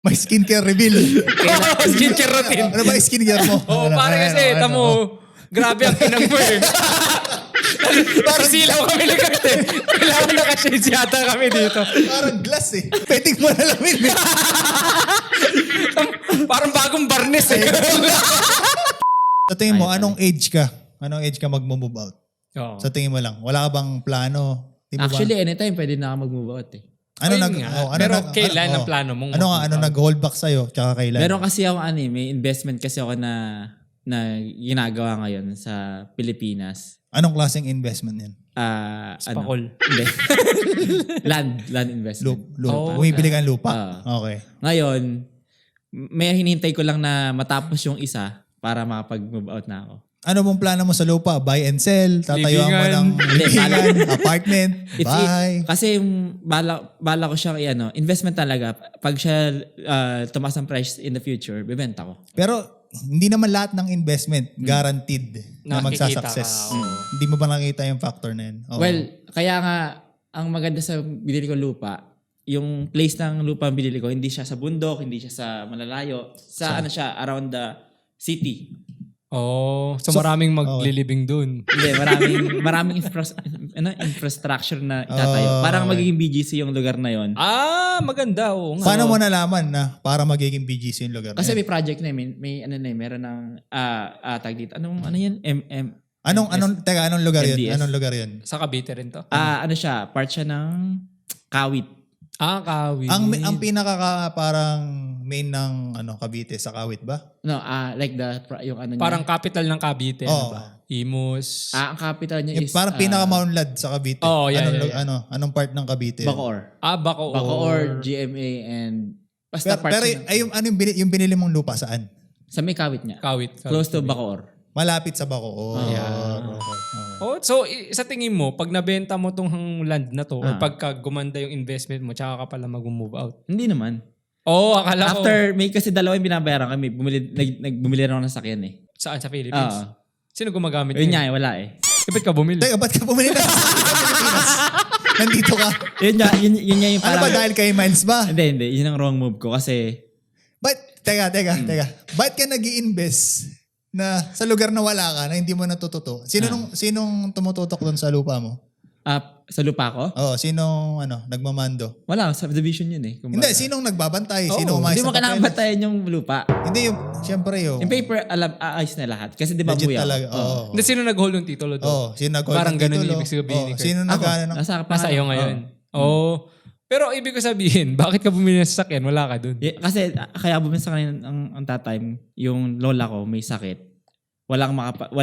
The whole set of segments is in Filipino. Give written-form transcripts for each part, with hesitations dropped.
May skincare reveal. Skincare routine. Ano ba yung skincare mo? Oo, pare kasi, tamo, grabe ang pinang mo eh. Parang silaw kami lagat eh. Kailangan naka-shades yata kami dito. Parang glass eh. Pwedeng mo na lamin eh. Parang bagong barnes eh. Sa tingin mo, anong age ka? Anong age ka mag-move out? Oo. Sa tingin mo lang, wala ka bang plano? Di mo ba- Actually, anytime pwede na ako mag-move out eh. ano Ayun nag nga. oh, ano Pero nag- kailan ano- ang plano mong Ano nga, mag-move ano out? nag-hold back sa'yo? Tsaka kailan? Meron kasi ako may investment kasi ako na ginagawa ngayon sa Pilipinas. Anong klaseng investment yan? Spakol. Hindi. land investment. Lupa. Oh, Bumibili ka ng lupa? Ah. Okay. Ngayon, may hinihintay ko lang na matapos yung isa para makapag-move out na ako. Ano mong plano mo sa lupa? Buy and sell? Tatayuan mo Libingan. ng Hindi, libingan, apartment, If buy? Kasi yung bala ko siyang investment talaga. Pag siya tumaas ang price in the future, bibenta ko. Pero hindi naman lahat ng investment guaranteed na Nakikita magsasucess. ka, oo. Hindi mo ba nakita yung factor na yun? Oo. Well, kaya nga, ang maganda sa binili ko lupa, yung place ng lupa ang binili ko, hindi siya sa bundok, hindi siya sa malalayo. Ano siya, around the city. Oh, so maraming maglilibing dun. Hindi, maraming infrastructure na itatayo. Parang magiging BGC yung lugar na yon. Maganda. Oo nga. Paano mo nalaman na para magiging BGC yung lugar na Kasi yan? may project na meron ng tag dito. Ano yan? Anong lugar yun? MDS. Anong lugar yun? Sa Cavite rin to? Ano siya? Part siya ng Kawit. Kawit. Ang pinaka parang main ng Cavite sa Kawit ba? No, like yung ano niya. Parang capital ng Cavite. Oo. Ano ba? Imus. Ang capital niya Yung is parang pinaka-Maunlad sa Cavite. Oh, yeah, anong, yeah, yeah. anong part ng Cavite? Bacoor. Bacoor. Bacoor, GMA, and basta part Pero siya ng- yung binili mong lupa saan? sa may Kawit niya. Kawit. Close to Bacoor. Malapit sa Bacoor. Yeah. Okay. So sa tingin mo, pag nabenta mo tong land na to, or Ah. pagka gumanda yung investment mo, tsaka ka pala mag-move out. Hindi naman. Akala ko. After, may kasi dalawa yung binabayaran kami. Bumili rin ako ng sakyan eh. Saan? Sa Philippines? Oo. Sino gumagamit Yun niya? nga eh, wala eh. Ba't ka bumili? Teka, ba't ka bumili na sa Pilipinas? Nandito ka. Yun nga yung Ano parang... ba dahil kay Miles ba? Hindi. Yun ang wrong move ko kasi... Teka. Ba't ka nag-i-invest na sa lugar na wala ka, na hindi mo natututo? Sinong tumututok doon sa lupa mo? Sa lupa ko? Oo, sinong nagmamando? Wala, subdivision yun eh. Hindi, sinong nagbabantay? Sino Hindi umayos mo sa kailangan papeles? batayan yung lupa. Hindi, siyempre yung Yung paper, aayos na lahat. Kasi di ba legit buya? talaga. Oo. Hindi, sino nag-hold ng titulo doon? Oo, sino nag-hold Parang ng ganun titulo? yung ibig sabihin ni Oo, Kurt. sino Ako, nag-ano? nasa Iyo ngayon. Pero ibig ko sabihin, bakit ka bumili ng sasakyan? Wala ka dun. Kasi kaya bumili sa kanina ang tatay, yung lola ko may sakit. Walang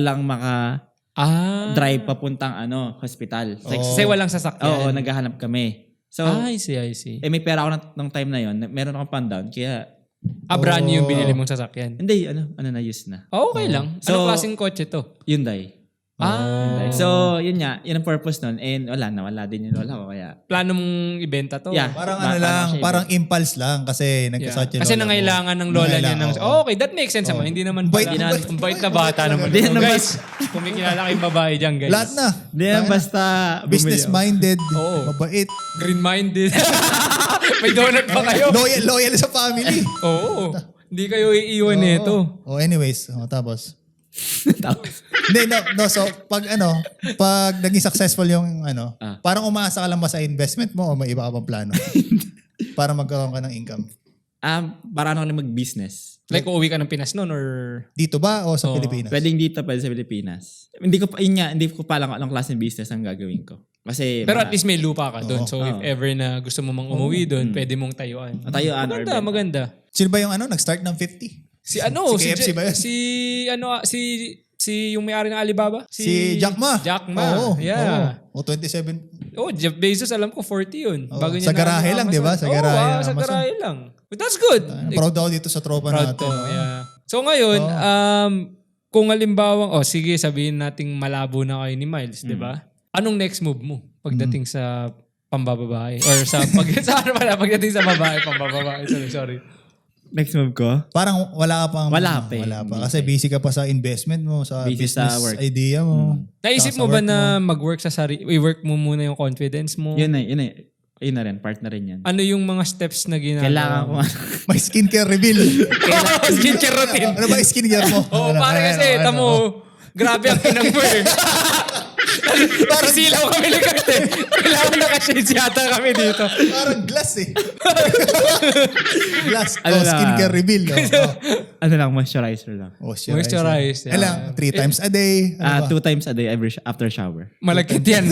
drive papuntang hospital. Kasi walang sasakyan. Oo, naghahanap kami. So, I see. may pera ako ng time na yon. Meron akong pan-down. Kaya, Brand new yung binili mong sasakyan. hindi, na use na. Okay lang. So- Anong klaseng kotse to? Hyundai. Hyundai. So, yun nga. Yun ang purpose nun. And wala din yung lola ko. Kaya, Plano mong ibenta to? Yeah. Parang Paano siya parang impulse lang kasi Yeah. nagkasakit yung Kasi lola mo. nangailangan ng lola niya ng... Oo. Okay, that makes sense naman. Hindi naman Bait- pala. bait- Ang bait na bata naman. Hindi naman- Guys, kung may kilala kayong babae dyan, guys. Lahat na. hindi yan basta Business-minded, Oo. mabait, Green-minded. May donut pa kayo. loyal sa family. Oo. Hindi kayo iiwan nito. Oh, anyways, tapos. Tapos, Hindi, no, so pag naging successful yung parang umaasa ka lang ba sa investment mo o may iba ka bang plano? Para magkaroon ka ng income. para ano ka mag-business. Like, uuwi ka ng Pinas noon or... Dito ba o sa Oo. Pilipinas? Pwedeng dito, pwede sa Pilipinas. Hindi ko pa alam anong klase ng business ang gagawin ko. Kasi, Pero at least may lupa ka doon. Oo. So, if ever na gusto mo mang umuwi doon, pwede mong tayuan. Matayuan or benta. Maganda. Sino ba yung nag-start ng 50? Si KFC ba yun? Si yung may-ari ng Alibaba? Si Jack Ma. Jack Ma. Oo. Yeah. Oo. 27. Jeff Bezos, alam ko 40 yun. Oo. Bago niya Sa garahe lang, di ba? Sa garahe ng sa Amazon. garahe lang. But that's good. Proud ako dito sa tropa Proud natin. to, yeah. So ngayon, kung halimbawang, sige, sabihin nating malabo na kayo ni Miles, di ba? Anong next move mo pagdating sa pambababae? Or pagdating sa babae, pambababae. Sorry. Next move ko? Parang wala ka pang... Wala pa eh. Wala pa. Kasi busy ka pa sa investment mo, sa Busy sa business work. idea mo. Naisip Saka mo sa ba work na mag-work sa i-work mo muna yung confidence mo? Yun na. Ayun na rin, part na rin yan. Ano yung mga steps na ginagawa? Kailangan ko May skincare reveal. Skincare routine. Ano ba yung skincare mo? Oo, pare kasi, tamo, grabe ang pinang mo eh. Parang silaw kami ni Kurt eh. Kailangan naka-shades yata kami dito. Parang glass eh. Glass. Ano na? Skincare reveal. ano lang, moisturizer lang. Moisturize. Ano lang, 3 times a day. Ano ba? 2 times a day after shower. Malagkit yan.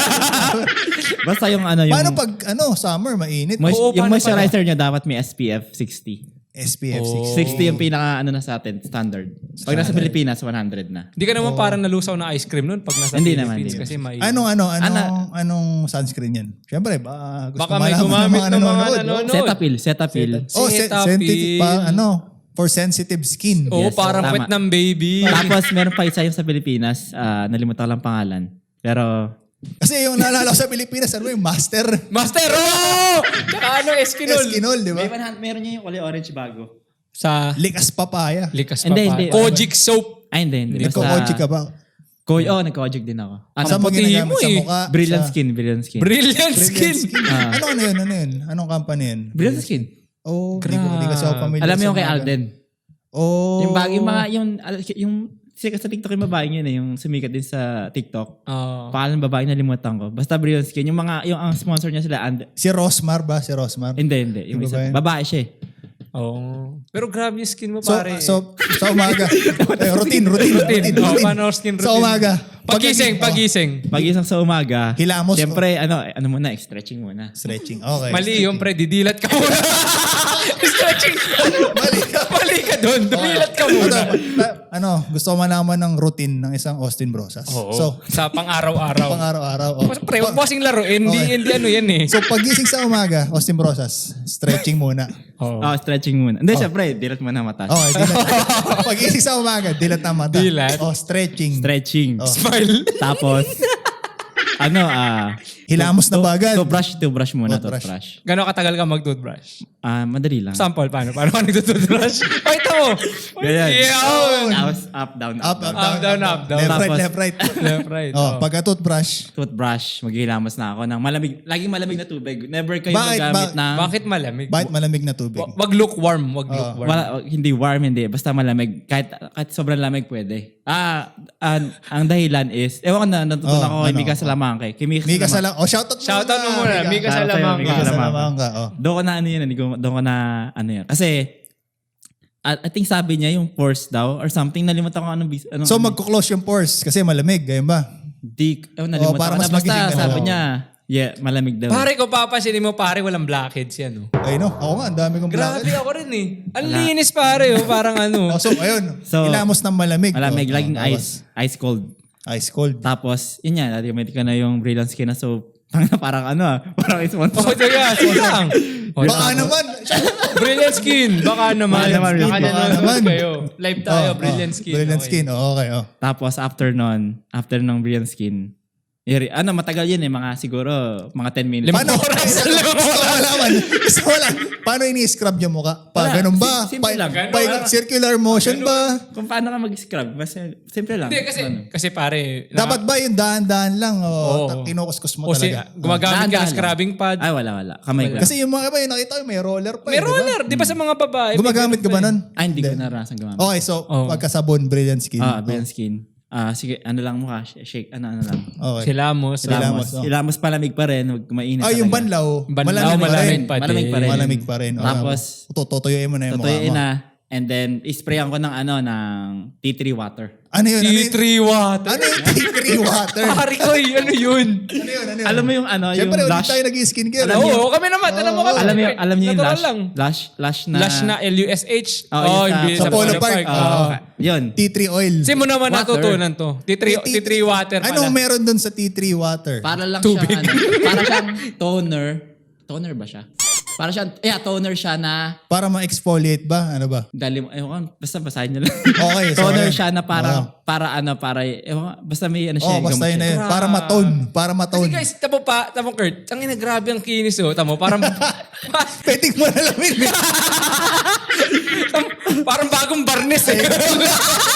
Basta yung ano yung Paano pag summer, mainit? Oo, yung paano moisturizer niya dapat may SPF 60. SPF Oh. 60 yung pinaka na sa atin, standard. Pag nasa Pilipinas, 100 na. Hindi ka naman parang nalusaw na ice cream nun pag nasa Hindi naman, Philippines hindi. kasi may... Anong sunscreen yan? Siyempre, gusto Baka may gumamit ng mga nanonood. Cetaphil. Oh, sensitive pa, for sensitive skin. Oo, Yes, parang tama. pet ng baby. Tapos meron pa isa yung sa Pilipinas, nalimutan ko lang pangalan. Pero Kasi yung naalala ko sa Pilipinas, ano yung master? Master! Oh! Tsaka Eskinol. Eskinol, di ba? meron niya yung kulay orange bago. Sa Likas papaya. likas pa Hindi, pa. hindi. Kojic soap. Ay, hindi. Nagko-koji ka ba? Nagko-ojik din ako. Saan mo puti ginagamit mo sa eh. mukha? Brilliant Sa- Skin. Brilliant Brilliant skin. skin. Ano yun? Anong company yun? Brilliant Skin. Oh, di kasi ako familiar. Alam mo yung sa kay mga- Alden. Oh. Yung sikat sa TikTok yung babae yun yung sumikat din sa TikTok. Oh. Pangalan ng babae nalimutan ko. Basta Brilliant Skin. Yung ang sponsor niya sila, Si Rosmar ba? Si Rosmar? hindi. Yung Yung isa, babae? babae siya eh. Oh. Pero grabe yung skin mo, So, pare. so sa umaga. routine. Oh, paano skin routine? Sa umaga. Pagising. Pag isang sa umaga, Hilamos. siyempre, ano muna, stretching muna. Stretching. Okay. Mali yung pre, didilat ka muna. Stretching. Mali ka. Mali ka doon. Dumilat ka muna. Gusto ko malaman ng routine ng isang Austin Brosas. Oo. So, Sa pang-araw-araw. pang-araw-araw. Pre, huwag mo kasing laruin. Hindi ano yan eh. So, pagising sa umaga, Austin Brosas, stretching muna. Oh. Stretching muna. Hindi, siyempre, dilat muna mata. Okay, dilat. Pagising sa umaga, dilat ang mata. Dilat. Oh, stretching. Stretching. Smile. Tapos, Hilamos na bagad. toothbrush muna, Toothbrush. toothbrush. Gano'ng katagal ka mag-toothbrush? Madali lang. Sample, paano? Paano ka nag-toothbrush? Pakita mo. Ganyan. Yun. Tapos, up, down. Up, down. Up, down. Left, right, Tapos- left, right. Left, right. Oh, pagka toothbrush. Toothbrush, maghihilamos na ako ng malamig, laging malamig na tubig. Never kayo Bakit? magamit ng... Bakit malamig? Bakit malamig na tubig? Wag lukewarm. Wag lukewarm. Hindi warm, hindi. Basta malamig. Kahit sobrang lamig pwede. Ang dahilan is, ewan ko na, natutunan ko kay Mika Salamangke. Kay Mika Salamangke. Oh, shoutout Shoutout mo muna. Mika Salamangka. Mika Salamangka. Oh. Doon ko na ano yun. Kasi, I think sabi niya yung pores daw or something. Nalimutan ko anong So, magko-close yung pores kasi malamig. Ganyan ba? nalimutan para ko mas na. Basta magiging- sabi niya, malamig daw. Pare ko papansinin mo, pare, walang blackheads yan. Oh. Ay, no. Ako nga, ang dami kong Grabe blackhead. ako rin eh. Ang linis pare. Oh. Parang ano. Oh, so, ayun. So, Hilamos ng malamig. Malamig, Oh, laging tapos, ice cold. Ice cold. Tapos, yun yan, automatic ka na yung Brilliant Skin na soap. parang parang sponsor. Oh, sige lang. Oh, Baka naman. Brilliant Skin. Baka naman. Baka naman, Baka baka nanonood naman. kayo. Live tayo. Brilliant Skin. Brilliant Okay. skin. Oh, okay. Oh. Tapos, after ng Brilliant Skin, matagal yun mga siguro, mga 10 minutes. Limang Paano? oras. Gusto ko malaman. Gusto ko lang. Paano ini-scrub yung mukha? Ganun ba? Simple lang. Circular motion ba? Kung paano ka mag-scrub, basta simple lang. Hindi, kasi pare. Dapat ba yung dahan-dahan lang? Oo. Kinukuskus mo O talaga. gumagamit ka ng Dahan-dahan scrubbing pad. Ay, wala. Kamay ko. Kasi yung mga iba, yung nakita ko, may roller pa. May di ba? roller. Di ba sa mga babae? may Gumagamit ka ganun ba pa nun? Hindi ko naranasan gumamit. Okay, so Oo. pagkasabon, Brilliant Skin. Brilliant Skin. Sige, ano lang mukha, shake, ano lang. Okay. Silamos. Silamos. Ilamos palamig pa rin, huwag mainit Yung talaga. banlaw, Banlaw, malamig pa rin. malamig pa din. Malamig pa rin. Malamig pa rin. Tapos, tutuyuin mo na yung mukha Totoo mo. na. And then, isprayan ko ng tea tree water. Ano yun? T3 water. Ano yung tea tree water? Pare ko, ano yun? Ano yun? Alam mo yung Siyempre, yung ulit lash. tayo nag-skincare. Oo, kami naman. Alam mo kami. Alam niyo yung Natural lash. lang. Lash na. Lash na LUSH. Oh, yun hindi. sa Polo Park. Oo. Yun. Tea tree oil. Kasi mo naman Water. natutunan to. T3 water pala. Anong meron dun sa tea tree water? Para lang Tubig. siyang, para siyang toner. Toner ba siya? Para siyang, toner siya na, Para ma-exfoliate ba? Ano ba? basta basahin niyo lang. Okay. so Toner ayan. siya na Oo. basta may ano siya. Basta yun gamot na siya. yun. Para matone. Para Kasi matone. guys, tamo Kurt, ang ina grabe ang kinis oh. Tamo, parang Pwedeng mo na lamin. parang bagong barnes eh.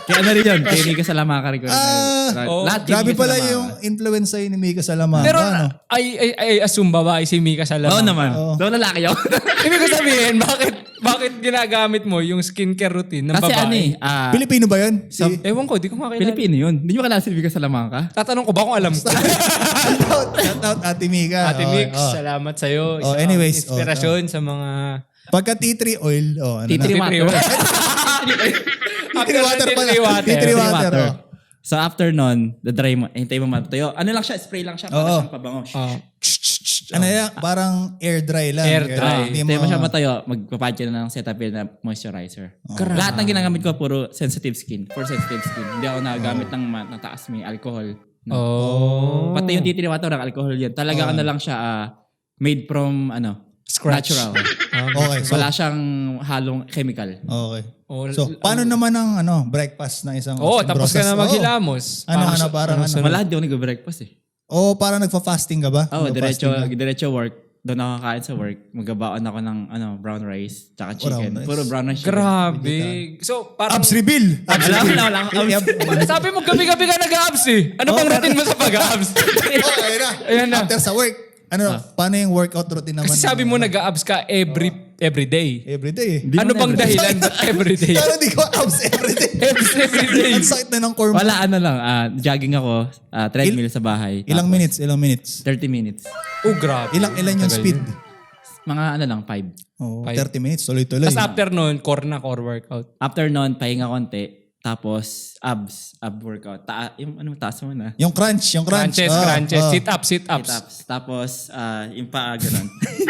Kaya ano rin yun, kaya Mika Salamanca rin ko. Lahat kay Grabe Mika pala Salamanca. yung influence sa'yo ni Mika Salamanca. Pero ano? I assume babae si Mika Salamanca. Oo naman. Oo. Daw lalaki yun. Ibig ko sabihin, bakit ginagamit mo yung skincare routine ng Kasi babae? ano eh, Pilipino ba yun? Ewan ko, di ko makilala. Pilipino yun. Hindi mo kilala si Mika Salamanca? Tatanong ko ba kung alam ko? Shout out Ate Mika. Ate Okay, Mix, oh. salamat sa'yo. Oh, Isa anyways, kang inspirasyon sa mga... Pagka tea tree oil, ano Tea tree na? water. Tea tree water pala. Tea tree water. Tea tree water. water. oh. So after nun, the-dry mo, hintay mo matutuyo. Ano lang siya, spray lang siya para Oo. siyang pabango. Ano yan? Parang air dry lang. Air dry. Hindi Hintay mo siya matuyo, magpapad ka na ng Cetaphil na moisturizer. Lahat ng ginagamit ko puro sensitive skin. For sensitive skin. Hindi ako nagagamit ng mataas may alcohol. No. Oh. Pati yung tea tree water, alcohol yun. Talaga ano lang siya, made from Scratch. natural. Okay, so, Wala siyang halong chemical. okay. Oh, So, paano naman ang breakfast ng isang Oo, tapos ka na Oo. maghilamos. Parang ano? Wala, di ako nag-breakfast eh. Parang nagfa-fasting ka ba? Oo, Nagfa-fasting ka? diretso work. Doon ako kakain sa work. Magabaon ako ng brown rice, tsaka chicken. Brown rice. Puro brown rice chicken. Grabe. So, parang... Abs reveal! Abs Wala, reveal! wala akong abs. Sabi mo, gabi-gabi ka nag-abs eh. Ano bang routine mo sa pag-abs? Okay na. Ayan na. After sa work. Paano yung workout routine naman? Kasi sabi mo nag-abs ka every day. Every day eh. Di Ano mo bang na- dahilan ba't every day? Pero di ko abs every day. Every day. Ang sakit na ng core mo. Wala, jogging ako, treadmill sa bahay. Ilang Tapos, minutes? 30 minutes. Oh, grabe. Ilan yung Tagal speed? yun. Mga 5. Oh, Five. 30 minutes. Tuloy-tuloy. Tapos after nun, core workout. After nun, pahinga konti. Tapos, ab workout. Yung taas mo na. Yung crunch. Crunches. Sit-ups. Sit-ups. Tapos, yung paa, ganun.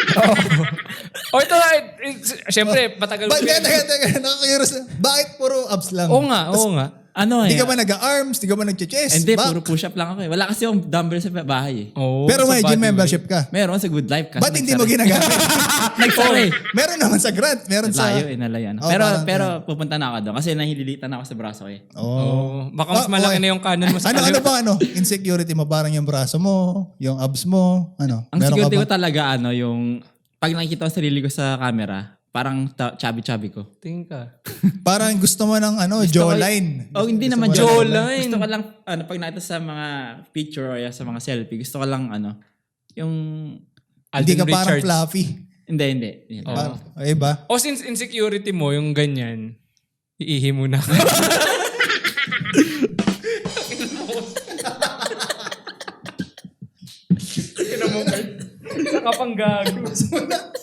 O ito, syempre, matagal Teka. Nakakairos na. Bakit puro abs lang? Oo nga. Di ka ba nag-arms? Di ka ba nag-chest? Hindi, puro push-up lang ako eh. Wala kasi yung dumbbell sa bahay eh. Oh, Pero sa may body gym weight. membership ka. Meron sa Good Life. Kasi Ba't hindi mo ginagamit? Nagsara eh. Meron naman sa grant. Meron sa... Layo eh, nalayan. Oh, pero pupunta na ako doon kasi nahililitan ako sa braso ko eh. Oh, baka mas malaki okay. na yung kanan mo sa Ano ba insecurity mo? Parang yung braso mo, yung abs mo, Ang Meron security ka ko ba? talaga yung pag nakikita ko sarili ko sa camera, parang chubby ko. Tingin ka. Parang gusto mo ng jawline. Oh, hindi naman Gusto mo jawline. Gusto ko lang pag nakita sa mga picture or sa mga selfie, gusto ko lang yung Hindi Alden ka parang Richards. fluffy. hindi. Oh. Ay ba? O since insecurity mo, yung ganyan, iihi mo na. Sa kapang gago.